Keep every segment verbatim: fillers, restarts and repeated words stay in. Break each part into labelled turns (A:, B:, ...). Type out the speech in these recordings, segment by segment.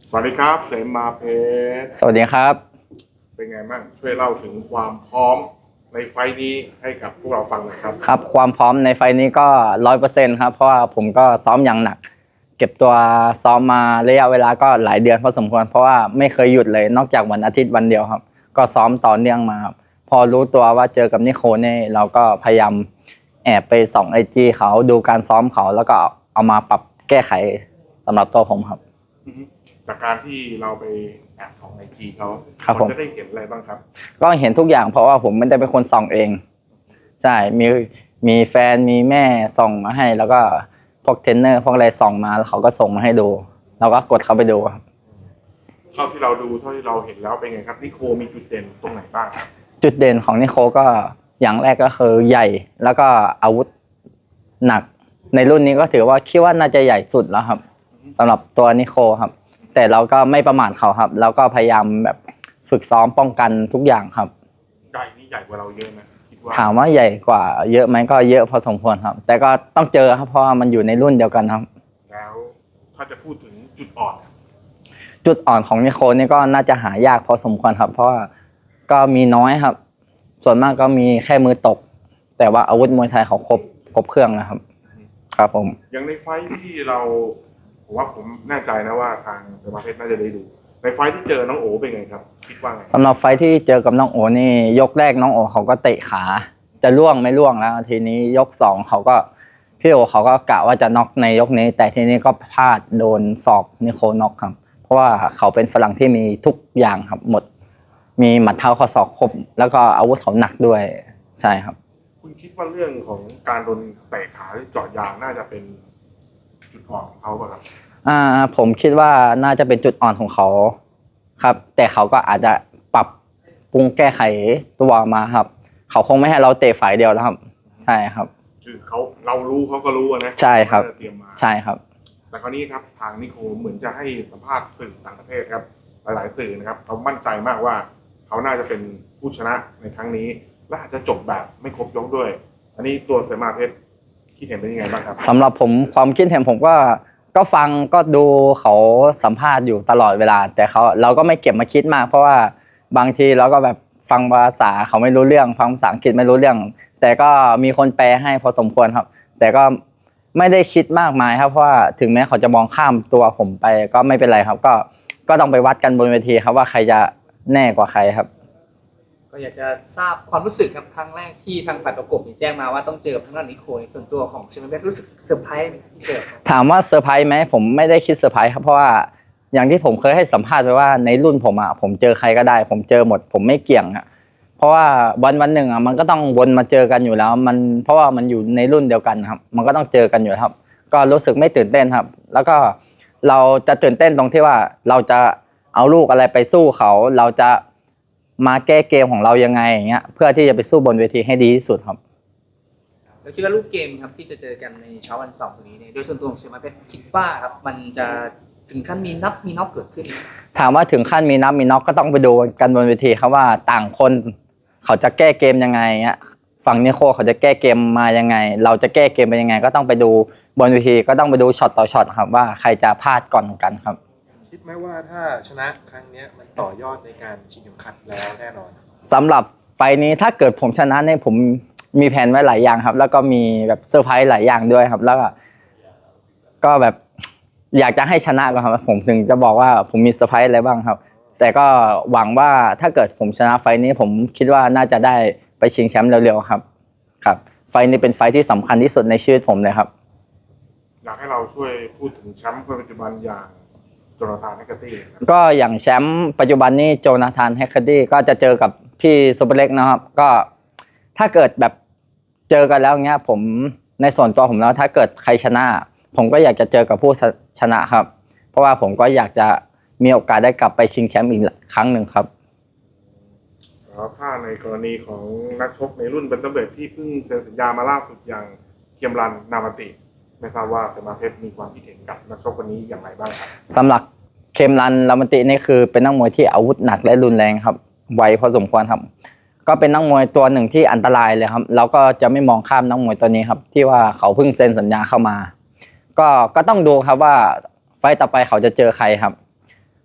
A: สวัสดีครับเสมาเพชร
B: สวัสดีครับ
A: เป็นไงบ้างช่วยเล่าถึงความพร้อมในไฟล์นี้ให้กับพวกเราฟังหน่อยครับ
B: ครับความพร้อมในไฟล์นี้ก็ร้อยเปอร์เซ็นต์ครับเพราะว่าผมก็ซ้อมอย่างหนักเก็บตัวซ้อมมาระยะเวลาก็หลายเดือนพอสมควรเพราะว่าไม่เคยหยุดเลยนอกจากวันอาทิตย์วันเดียวครับก็ซ้อมต่อเนื่องมาครับพอรู้ตัวว่าเจอกับนิโคลเนี่ยเราก็พยายามแอบไปส่องไอจีเขาดูการซ้อมเขาแล้วก็เอามาปรับแก้ไขสำหรับตัวผมครับ
A: จากการที่เราไปแอบส่องไอจีเขา
B: ครับผม
A: จะได้เห็นอะไรบ้างครับ
B: ก็เห็นทุกอย่างเพราะว่าผมไม่ได้เป็นคนส่องเองใช่มีมีแฟนมีแม่ส่งมาให้แล้วก็พวกเทรนเนอร์พวกอะไรส่งมาแล้วเขาก็ส่งมาให้ดูเราก็กดเข้าไปดูครับ
A: เท่าที่เราดูเท่าที่เราเห็นแล้วเป็นไงครับนิโคมีจุดเด่นตรงไหนบ้างครับ
B: จุดเด่นของนิโคก็อย่างแรกก็คือใหญ่แล้วก็อาวุธหนักในรุ่นนี้ก็ถือว่าคิดว่าน่าจะใหญ่สุดแล้วครับสำหรับตัวนิโคครับแต่เราก็ไม่ประมาทเขาครับแล้วก็พยายามแบบฝึกซ้อมป้องกันทุกอย่างครับ
A: ใหญ่นี่ใหญ่กว่าเราเยอะนะคิดว่า
B: ถามว่าใหญ่กว่าเยอะไหมก็เยอะพอสมควรครับแต่ก็ต้องเจอครับเพราะว่ามันอยู่ในรุ่นเดียวกันครับ
A: แล้วถ้าจะพูดถึงจุดอ่อน
B: จุดอ่อนของนิโคนี่ก็น่าจะหายากพอสมควรครับเพราะว่าก็มีน้อยครับส่วนมากก็มีแค่มือตกแต่ว่าอาวุธมวยไทยเขาครบครบเครื่องนะครับครับผม
A: อย่างในไฟท์ที่เราผมว่าผมแน่ใจนะว่าทางสมาเพชรน่าจะได้ดูในไฟท์ที่เจอน้องโอเป็นไงครับคิดว่าไง
B: สำหรับไฟที่เจอกับน้องโอนี่ยกแรกน้องโอเขาก็เตะขาจะล่วงไม่ล่วงแล้วทีนี้ยกสองเขาก็พี่โอเขาก็กะว่าจะน็อกในยกนี้แต่ทีนี้ก็พลาดโดนศอกนิโคน็อกครับเพราะว่าเขาเป็นฝรั่งที่มีทุกอย่างครับหมดมีหมัดเท้าข้อศอกครบแล้วก็อาวุธเขาหนักด้วยใช่ครับ
A: คุณคิดว่าเรื่องของการโดนเตะขาหรือเจาะยางน่าจะเป็นจุดอ่อนของเขาป่ะครับ
B: อ่าผมคิดว่าน่าจะเป็นจุดอ่อนของเขาครับแต่เขาก็อาจจะปรับปรุงแก้ไขตัวมาครับเขาคงไม่ให้เราเตะฝ่ายเดียวแล้วครับใช่ครับ
A: คือเขาเรารู้เขาก็รู้นะ
B: ใช่ครับ
A: เตรียมมา
B: ใช่ครับ
A: แต่คราวนี้ครับทางนิโคเหมือนจะให้สัมภาษณ์สื่อต่างประเทศครับหลายๆสื่อนะครับเขามั่นใจมากว่าเขาน่าจะเป็นผู้ชนะในครั้งนี้และอาจจะจบแบบไม่ครบยกด้วยอันนี้ตัวเสมาเพชรคิดเห็นเป็นยังไงบ้างครับ
B: สำหรับผมความคิดเห็นผมก็ก็ฟังก็ดูเขาสัมภาษณ์อยู่ตลอดเวลาแต่เขาเราก็ไม่เก็บมาคิดมากเพราะว่าบางทีเราก็แบบฟังภาษาเขาไม่รู้เรื่องฟังภาษาอังกฤษไม่รู้เรื่องแต่ก็มีคนแปลให้พอสมควรครับแต่ก็ไม่ได้คิดมากมายครับเพราะว่าถึงแม้เขาจะมองข้ามตัวผมไปก็ไม่เป็นไรครับก็ก็ต้องไปวัดกันบนเวทีครับว่าใครจะแน่กว่าใครครับ
C: ก็อยากจะทราบความรู้สึกครับครั้งแรกที่ทางฝ่ายประกบแจ้งมาว่าต้องเจอกับทางด้านนิโคลส่วนตัวของเชมเบสรู้สึกเซอร์ไพรส์ไหมที่เจอ
B: ถามว่าเซอร์ไพรส์ไหมผมไม่ได้คิดเซอร์ไพรส์ครับเพราะว่าอย่างที่ผมเคยให้สัมภาษณ์ไปว่าในรุ่นผมอ่ะผมเจอใครก็ได้ผมเจอหมดผมไม่เกี่ยงอ่ะเพราะว่าวันวันหนึ่งอ่ะมันก็ต้องวนมาเจอกันอยู่แล้วมันเพราะว่ามันอยู่ในรุ่นเดียวกันครับมันก็ต้องเจอกันอยู่ครับก็รู้สึกไม่ตื่นเต้นครับแล้วก็เราจะตื่นเต้นตรงที่ว่าเราจะเอาลูกอะไรไปสู้เขาเราจะมาแก้เกมของเรายังไงอย่างเงี้ยเพื่อที่จะไปสู้บนเวทีให้ดีที่สุดครับ
C: เราคิดว่าลูกเกมครับที่จะเจอกันในเช้าวันเสาร์นี้เนี่ยโดยส่วนตัวของเชมเบสคิดว่าครับมันจะถึงขั้นมีนับมีน็อกเกิดขึ้น
B: ถามว่าถึงขั้นมีนับมีน็อกก็ต้องไปดูกันบนเวทีครับว่าต่างคนเขาจะแก้เกมยังไงเงี้ยฝั่งนิโคเขาจะแก้เกมมายังไงเราจะแก้เกมเป็นยังไงก็ต้องไปดูบนเวทีก็ต้องไปดูช็อตต่อช็อตครับว่าใครจะพลาดก่อนกันครับ
A: คิดไหมว่าถ้าชนะครั้งนี้มันต่อยอดในการชิงเข็มขัดแล้วแน่นอน
B: สำหรับไฟนี้ถ้าเกิดผมชนะเนี่ยผมมีแผนไว้หลายอย่างครับแล้วก็มีแบบเซอร์ไพรส์หลายอย่างด้วยครับแล้วก็ก็แบบอยากจะให้ชนะก่อนครับผมถึงจะบอกว่าผมมีเซอร์ไพรส์อะไรบ้างครับแต่ก็หวังว่าถ้าเกิดผมชนะไฟนี้ผมคิดว่าน่าจะได้ไปชิงแชมป์เร็วๆครับครับไฟนี้เป็นไฟที่สำคัญที่สุดในชีวิตผมเลยครับ
A: อยากให้เราช่วยพูดถึงแชมป์คนปัจจุบันอย่างโจนาธานแฮกเกอร์ตี้
B: ก็อย่างแชมป์ปัจจุบันนี้โจนาธานแฮกเกอร์ตี้ก็จะเจอกับพี่ซูเปอร์เล็กนะครับก็ถ้าเกิดแบบเจอกันแล้วเงี้ยผมในส่วนตัวผมแล้วถ้าเกิดใครชนะผมก็อยากจะเจอกับผู้ชนะครับเพราะว่าผมก็อยากจะมีโอกาสได้กลับไปชิงแชมป์อีกครั้งหนึ่งครับ
A: แล้วถ้าในกรณีของนักชกในรุ่นเบนเทอร์เวทที่เพิ่งเซ็นสัญญามาล่าสุดอย่างเคียมรันนามาติไม่ทราบว่าเสมาเพชรมีความคิดเห็นกับนักชกคนนี้อย่างไรบ้างครับ
B: สำหรับเคมรันลามันตินี่คือเป็นนักมวยที่อาวุธหนักและรุนแรงครับไวพอสมควรครับก็เป็นนักมวยตัวหนึ่งที่อันตรายเลยครับเราก็จะไม่มองข้ามนักมวยตัวนี้ครับที่ว่าเขาเพิ่งเซ็นสัญญาเข้ามาก็ก็ต้องดูครับว่าไฟต์ต่อไปเขาจะเจอใครครับ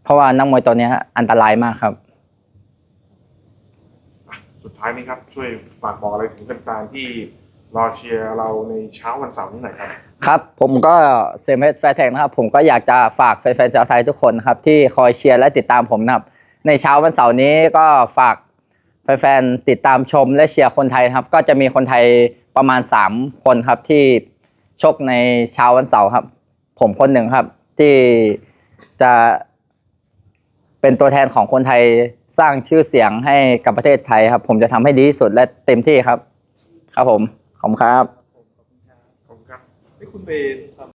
B: เพราะว่านักมวยตัวเนี้ยอันตรายมากครับ
A: อ่ะสุดท้ายนี้ครับช่วยฝากบอกอะไรถึงแฟนๆที่รอเชียร์เราในเช้าวันเสาร์นี้หน่อยครับ
B: ครับผมก็เซมเอสแฟร์แท็กนะครับผมก็อยากจะฝากแฟนๆชาวไทยทุกคนนะครับที่คอยเชียร์และติดตามผมนะครับในเช้าวันเสาร์นี้ก็ฝากแฟนๆติดตามชมและเชียร์คนไทยนะครับก็จะมีคนไทยประมาณสามคนครับที่ชกในเช้าวันเสาร์ครับผมคนหนึ่งครับที่จะเป็นตัวแทนของคนไทยสร้างชื่อเสียงให้กับประเทศไทยครับผมจะทำให้ดีที่สุดและเต็มที่ครับครับผมขอบคุณครับ
A: ขอบคุณครับ
C: ที่คุณไป